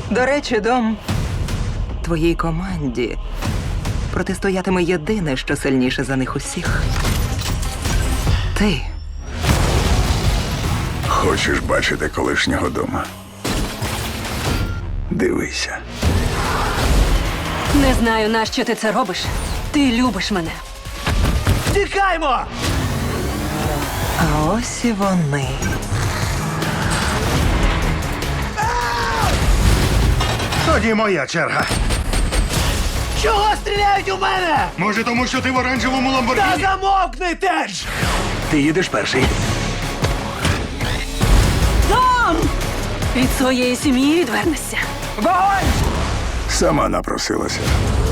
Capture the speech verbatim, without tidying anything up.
До речі, Дом, твоїй команді протистоятиме єдине, що сильніше за них усіх. Ти. Хочеш бачити колишнього дома? Дивися. Не знаю, нащо ти це робиш. Ти любиш мене. Тікаймо! А ось і вони. Тоді моя черга. Чого стріляють у мене? Може, тому що ти в оранжевому Та ламборгіні? замовкни, Тедж! Ти їдеш перший. Том! Від своєї сім'ї відвернешся. Вогонь! Сама напросилася.